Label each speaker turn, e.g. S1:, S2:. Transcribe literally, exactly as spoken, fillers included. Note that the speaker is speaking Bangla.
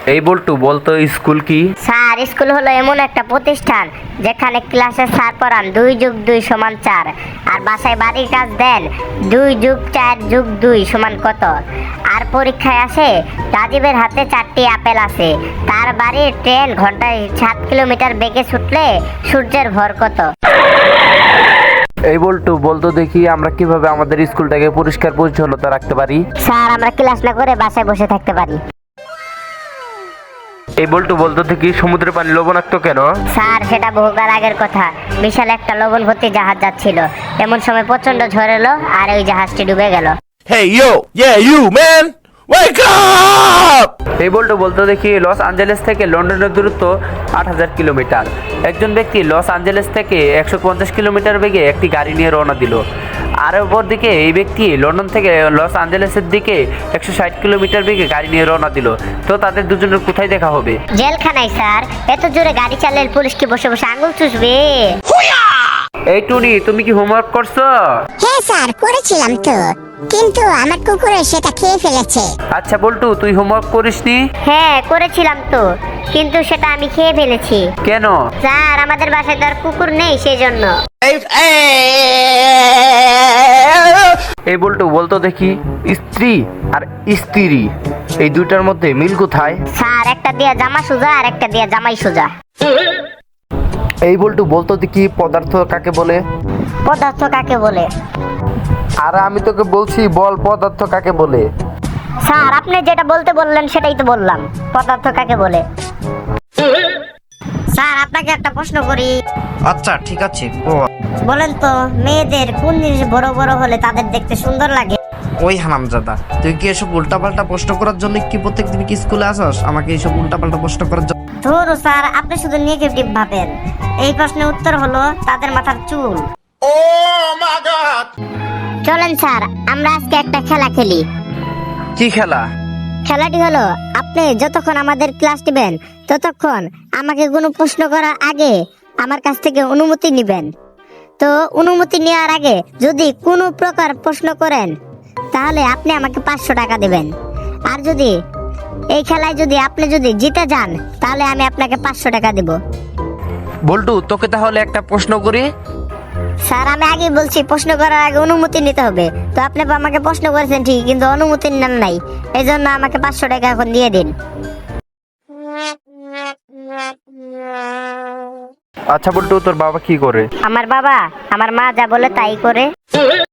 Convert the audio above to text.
S1: এই বল্টু বলতো স্কুল কি?
S2: স্যার, স্কুল হলো এমন একটা প্রতিষ্ঠান যেখানে ক্লাসে স্যার পড়ান দুই যোগ দুই সমান চার, আর বাসায় বাড়ির কাজ দেন দুই যোগ চার যোগ দুই সমান কত। আর পরীক্ষায় আসে রাজীবের হাতে চারটি আপেল আছে, তার বাড়ির ট্রেন ঘন্টায় সাত কিলোমিটার বেগে ছুটলে সূর্যের ভর কত।
S1: এই বল্টু বলতো দেখি আমরা কিভাবে আমাদের স্কুলটাকে পরিষ্কার পরিচ্ছন্নতা রাখতে পারি?
S2: স্যার, আমরা ক্লাস না করে বাসায় বসে থাকতে পারি।
S1: এই বল্টু বলতো দেখি সমুদ্রের পানি লবণাক্ত কেন?
S2: স্যার, সেটা বহুকাল আগের কথা। বিশাল একটা লবণ ভর্তি জাহাজ যাচ্ছিল, এমন সময় প্রচন্ড ঝড় এলো আর ওই জাহাজটি ডুবে গেল।
S3: Hey yo, yeah you man, wake up!
S1: এই বল্টু বলতো দেখি লস অ্যাঞ্জেলেস থেকে লন্ডনের দূরত্ব আট হাজার কিলোমিটার। একজন ব্যক্তি লস অ্যাঞ্জেলেস থেকে একশো পঞ্চাশ কিলোমিটার বেগে একটি গাড়ি নিয়ে রওনা দিল। আর অপরদিকে এই ব্যক্তি লন্ডন থেকে লস অ্যাঞ্জেলেসের দিকে একশো ষাট কিলোমিটার বেগে গাড়ি নিয়ে রওনা দিল। তো তাদের দুজনের কোথায় দেখা হবে?
S2: জেলখানায় স্যার। এত জোরে গাড়ি চালালে পুলিশ কি বসে বসে আঙুল চুষবে?
S1: এই টুনি, তুমি কি হোমওয়ার্ক করছো?
S4: হ্যাঁ স্যার, করেছিলাম তো, কিন্তু আমার কুকুরে সেটা খেয়ে ফেলেছে।
S1: আচ্ছা বল্টু, তুই হোমওয়ার্ক করিসনি?
S2: হ্যাঁ, করেছিলাম তো, কিন্তু সেটা আমি খেয়ে ফেলেছি।
S1: কেন?
S2: স্যার, আমাদের বাসায় তো আর কুকুর নেই, সেই জন্য।
S1: এই বল্টু বলতো দেখি স্ত্রী আর স্ত্রী এই দুইটার মধ্যে মিল কোথায়?
S2: স্যার, একটা দিয়া জামা সোজা আর একটা দিয়া জামাই সোজা।
S1: এই বল্টু বলতো দেখি পদার্থ কাকে বলে?
S2: পদার্থ কাকে বলে?
S1: আর আমি তোকে বলছি বল পদার্থ কাকে বলে?
S2: স্যার, আপনি যেটা বলতে বললেন সেটাই তো বললাম, পদার্থ কাকে বলে। স্যার, আপনাকে একটা প্রশ্ন করি।
S5: আচ্ছা ঠিক আছে,
S2: বলেন তো, মেয়েদের কোন জিনিস বড় বড় হলে তাদের দেখতে সুন্দর লাগে?
S5: ওই হারামজাদা, তুই কি এসব উল্টাপাল্টা প্রশ্ন করার জন্য কি প্রত্যেকদিন কি স্কুলে আসস আমাকে এইসব উল্টাপাল্টা প্রশ্ন করার জন্য?
S2: ধুর স্যার, আপনি শুধু নেগেটিভ ভাবেন। এই প্রশ্নের উত্তর হলো তাদের মাথার চুল। চলেন স্যার, আমরা আজকে একটা খেলা খেলি।
S1: কি খেলা?
S2: খেলাটি হলো, আপনি যতক্ষণ আমাদের ক্লাস নেবেন ততক্ষণ আমাকে কোনো প্রশ্ন করার আগে আমার কাছ থেকে অনুমতি নেবেন। তো অনুমতি নেওয়ার আগে যদি কোনো প্রকার প্রশ্ন করেন তাহলে আপনি আমাকে পাঁচশো টাকা দেবেন। আর যদি এই খেলায় যদি আপনি যদি জিতে যান তাহলে আমি আপনাকে পাঁচশো টাকা দেব।
S1: বল্টু, তোকে তাহলে একটা প্রশ্ন করি।
S2: স্যার, আমি আগে বলছি প্রশ্ন করার আগে অনুমতি নিতে হবে। তো আপনি আমাকে প্রশ্ন করেছেন ঠিক, কিন্তু অনুমতি নেন নাই, এই জন্য আমাকে পাঁচশো টাকা এখন দিয়ে দিন।
S1: আচ্ছা বল্টু, তোর বাবা কি করে?
S2: আমার বাবা আমার মা যা বলে তাই করে।